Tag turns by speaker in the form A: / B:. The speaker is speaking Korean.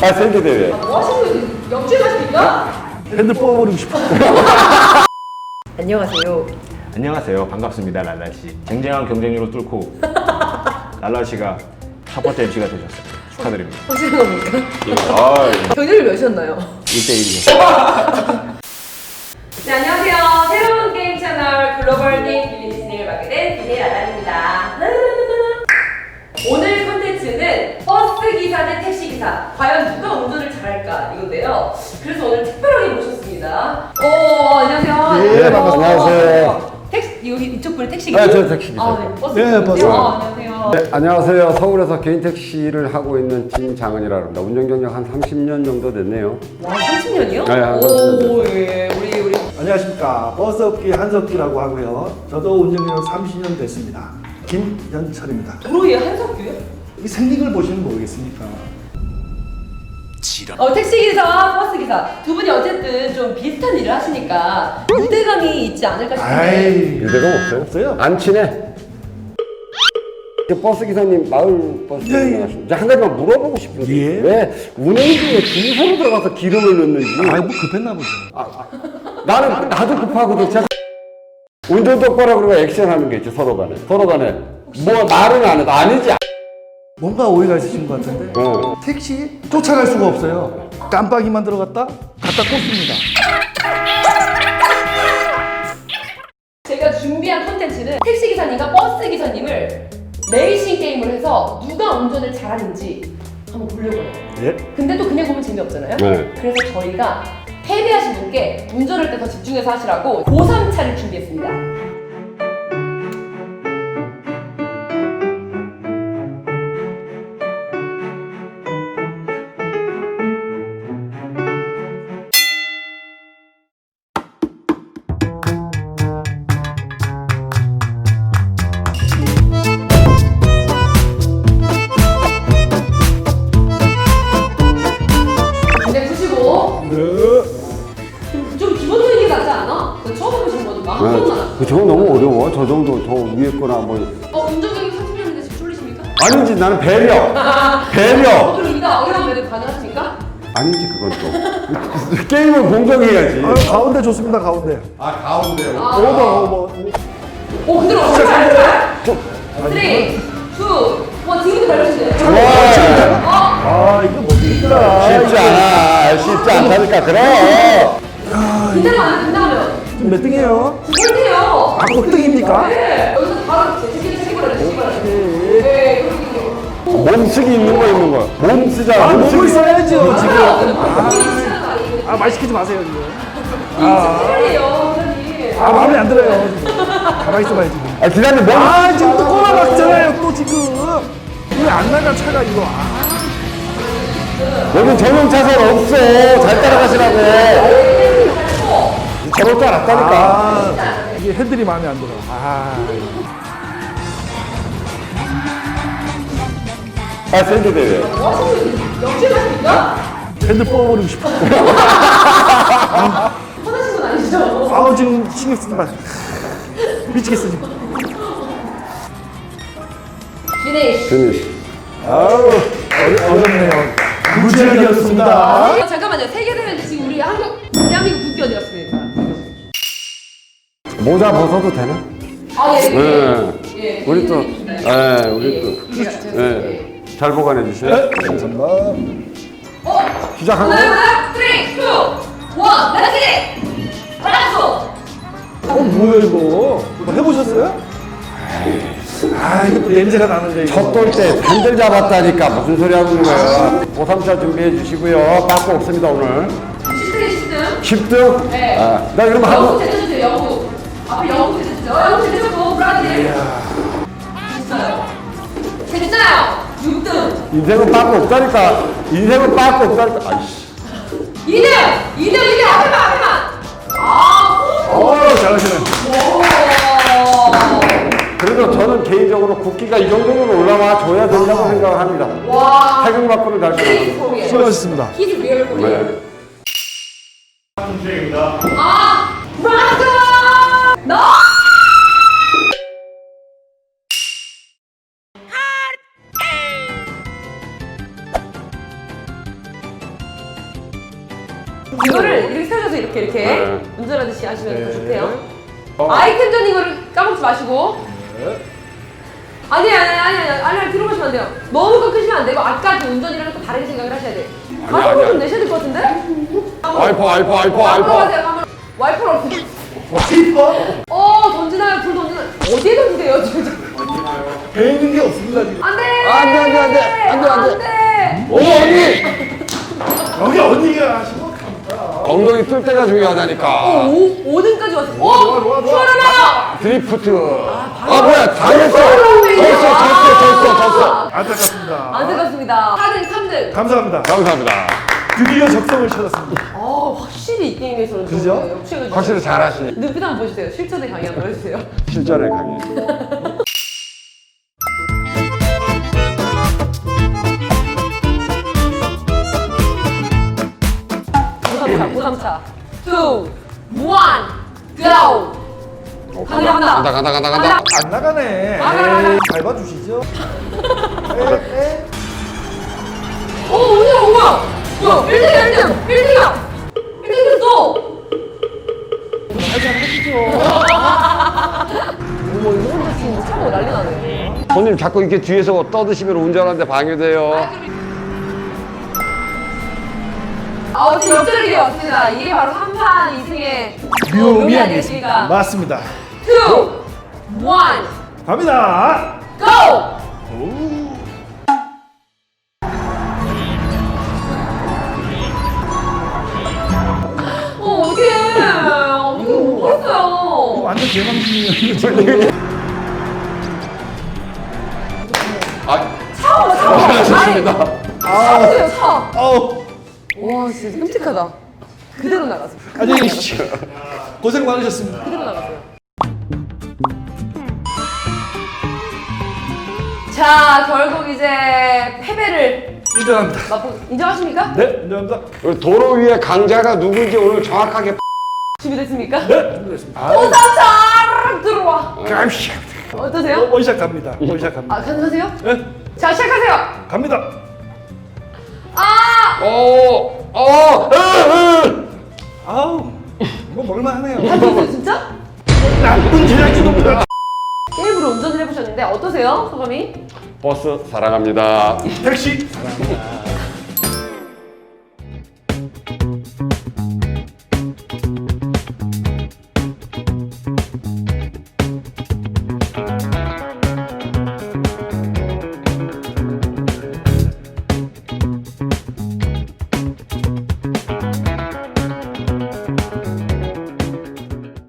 A: 아, 샌드 대회.
B: 뭐 하시는 거예요? 역질 가십니까?
C: 핸들 뽑아버리고 싶어.
B: 안녕하세요.
A: 안녕하세요. 반갑습니다, 랄라씨. 쟁쟁한 경쟁률을 뚫고 랄라씨가 첫 번째 MC가 되셨어요. 축하드립니다.
B: 하시는 겁니까?
A: 아,
B: 경쟁률 몇이었나요?
A: 1대1이요.
B: 네, 안녕하세요. 새로운 게임 채널 글로벌 게임 빌리 진행을 맡게 된 BJ 라단입니다. 오늘 컨텐츠는 버스 기사 대 택시 기사. 과연 누가 운전을 잘할까 이건데요. 그래서 오늘 특별하게 모셨습니다. 안녕하세요.
C: 네, 반갑습니다.
A: 안녕하세요.
B: 택시 여기 이쪽 분이 택시 기사.
A: 네, 저 택시 기사.
B: 네, 버스
C: 네,
B: 기사인데요.
C: 버스.
B: 안녕하세요.
D: 네, 안녕하세요. 서울에서 개인 택시를 하고 있는 진장은이라고 합니다. 운전 경력 한 30년 정도 됐네요.
B: 와, 30년이요?
D: 네, 한
B: 오, 예. 우리
C: 안녕하십니까. 버스업계 한석기라고 하고요. 저도 운전경력 30년 됐습니다. 김현철입니다.
B: 도로에 한석규요?
C: 이 생긴 걸 보시면 모르겠습니까?
B: 택시기사와 버스기사 두 분이 어쨌든 좀 비슷한 일을 하시니까 유대감이 있지 않을까 싶은데.
C: 아이,
D: 유대감 없어요?
C: 없어요?
D: 안 친해? 그 버스 기사님, 마을 버스
C: 예, 예.
D: 기사님, 한 가지만 물어보고 싶은 게
C: 예.
D: 왜 운행 중에 주유소로 들어가서 기름을 넣는지.
C: 아이, 뭐 급했나 보죠.
D: 나도 급하거든. 제가 운전 똑바로 그러고 액션하는 게 있죠. 서로 간에 뭐 말은 안 해도 아니지.
C: 뭔가 오해가 있으신 것 같은데. 택시 쫓아갈 수가 없어요. 깜빡이만 들어갔다 갖다 꽂습니다.
B: 제가 준비한 콘텐츠는 택시기사님과 버스기사님을 레이싱 게임을 해서 누가 운전을 잘하는지 한번 보려고 해요.
C: 예?
B: 근데 또 그냥 보면 재미없잖아요.
D: 네.
B: 그래서 저희가 패배하신 분께 운전할 때 더 집중해서 하시라고 고3차를 준비했습니다. 근데 푸시고 좀 기본적인 게 낫지 않아? 나 처음 해보신 거니까 한 번만 하죠.
D: 저거 너무 어려워. 저 정도, 저 위에 거나 뭐.
B: 운전경력 30년인데 지금 쫄리십니까?
D: 아니지, 나는 배려. 배려.
B: 그럼 이거 어려운 매듭 가능하십니까?
D: 아니지, 그건 또. 게임을 공정해야지.
C: 아유, 가운데 좋습니다, 가운데.
D: 아, 가운데.
C: 오버.
B: 오, 그대로 엄청 잘했어요. 3, 2, 1, 지금부터 밟으시면 돼요.
C: 아, 이거 뭡니까?
D: 쉽지 않아. 쉽지 않다니까, 그래.
B: 그대로 안 된다면
C: 지금 몇 등이에요?
B: 9번째요.
C: 아, 꼴등입니까?
B: 네. 여기서 바로 제끼버려요. 네, 그렇게.
D: 몸쓰기 있는 거 있는 거. 몸 쓰자.
C: 아, 몸을
D: 몸쓰기.
C: 써야죠, 지금.
B: 아,
C: 아, 말 시키지 마세요, 지금.
B: 이요 사장님.
C: 아, 마음에 안 들어요, 지금. 가만히 있어봐요, 지금.
D: 아, 기사님 몸.
C: 아, 지금 또 꼬라박잖아요, 또 지금. 왜 안 나가, 차가, 이거. 아,
D: 여기 전용 차선 없어. 잘 따라가시라고. 저럴 줄 알았다니까.
C: 아, 이게 핸들이 마음에 안 들어. 아,
D: 아, 샌드 대회.
B: 뭐 하시는 거예요? 역질 가십니까?
C: 핸들 뽑아버리고 싶어.
B: 화나신 건 아니죠?
C: 아우, 지금 신경 쓰지 마. 미치겠어, 지금.
B: 피니쉬.
D: 피니쉬.
C: 아우, 어렵네요. 무지하게였습니다.
B: 잠깐만요. 세계대회인데 지금 우리 대한민국 국기 어디 갔습니까?
D: 모자 벗어도 되나?
B: 아, 예.
D: 네.
B: 예.
D: 우리 또, 예, 우리
B: 또.
D: 예. 잘 보관해 주세요.
C: 감사합니다.
D: 시작하고.
B: 하나, 3, 2, 1, 렛츠 박수!
C: 뭐야, 이거? 뭐 해보셨어요? 아, 이거 또 냄새가 나는데, 이거.
D: 첫 돌 때 펜들 잡았다니까 무슨 소리 하고 있는 거예요? 고3차 준비해 주시고요. 빠꾸 없습니다 오늘.
B: 10등, 10등.
D: 10등?
B: 네.
D: 아, 나 그러면
B: 영국
D: 하고.
B: 제대주세요, 영국. 앞에 영국 제대주죠. 영국 제대주고, 브라질. 됐어요. 됐잖아요. 6등.
D: 인생은 빠꾸 없다니까. 인생은 빠꾸 없다니까. 아이씨.
B: 2등! 2등, 앞에만!
C: 잘하시네.
D: 그래도 저는 개인적으로 국기가 이 정도는 올라와 줘야 된다고 생각합니다.
B: 와.
D: 태극 맞고는 달수
B: He's
D: 없는.
B: Korean.
C: 수고하셨습니다.
B: He's real Korean.
D: 네.
B: 브라질! 너! 이거를 이렇게 세워줘서 이렇게
D: 네.
B: 운전하듯이 하시면 더
C: 네.
B: 좋대요. 아이템전 이거를 까먹지 마시고. 아니 들어보시면 안 돼요. 너무 꺾으시면 안 되고 아까 그 운전이랑 또 다르게 생각을 하셔야 돼. 가속도 좀 내셔야 될 것 같은데?
D: 와이퍼.
B: 가세요. 가면 와이퍼를 없애. 던지나요? 불 던지나요? 어디에 던지세요 지금?
C: 배 있는 게 없습니다 지금.
B: 안 돼!
D: 안 돼. 어머 언니.
C: 여기 언니가 하시면 갑니다.
D: 엉덩이 뜰 때가 중요하다니까.
B: 5등까지 왔어.
C: 좋아.
B: 추월하나요?
D: 드리프트. 뭐야 다 했어. 졌어.
C: 안타깝습니다.
B: 안타깝습니다. 4등, 3등.
C: 감사합니다.
D: 감사합니다.
C: 드디어 적성을 찾았습니다.
B: 확실히 이 게임에서는
C: 그죠?
B: 좀 역시가
D: 확실히 잘하시네.
B: 눈빛 한번 보여주세요. 실전에 강의 한번 해주세요.
D: 실전에 강해.
B: 고삼차. 2, 1, go! 간다.
C: 안 나가네.
B: 나가.
C: 에이, 밟아주시죠.
B: 뭐야? 1등이야! 1등 됐어! 어머, 이거 혼자 지금 차고 난리 나네.
D: 손님 자꾸 이렇게 뒤에서 떠드시면 운전하는데 방해돼요.
B: 지금 역전의 기회 왔습니다. 이게 바로 3판 2승의
C: 묘미
B: 아니겠습니까?
C: 아니겠습니까? 맞습니다.
B: 2, 1,
C: 갑니다.
B: go! 어떡해. 이거 뭐 했어요?
C: 완전 개망신이에요.
D: 잘하셨습니다.
B: 차세요, 차.
C: 아우.
B: 와, 진짜 끔찍하다. 그대로 나가세요.
C: 안녕히 계십시오. 고생 많으셨습니다.
B: 그대로 나가세요. 자, 결국 이제 패배를
C: 인정합니다.
B: 인정하십니까?
C: 네, 인정합니다.
D: 우리 도로 위에 강자가 누군지 오늘 정확하게
B: 준비됐습니까?
C: 네, 준비됐습니다.
B: 오삼차 들어와.
C: 감시.
B: 어떠세요?
C: 원샷 갑니다. 원샷 갑니다.
B: 가능하세요?
C: 네,
B: 자, 시작하세요.
C: 갑니다. 아우, 이거 먹을만하네요.
B: 하셨어요, 진짜?
C: 나쁜 제작진입니다.
B: 게임으로 운전을 해보셨는데 어떠세요, 소감이?
D: 버스 사랑합니다.
C: 택시 사랑합니다.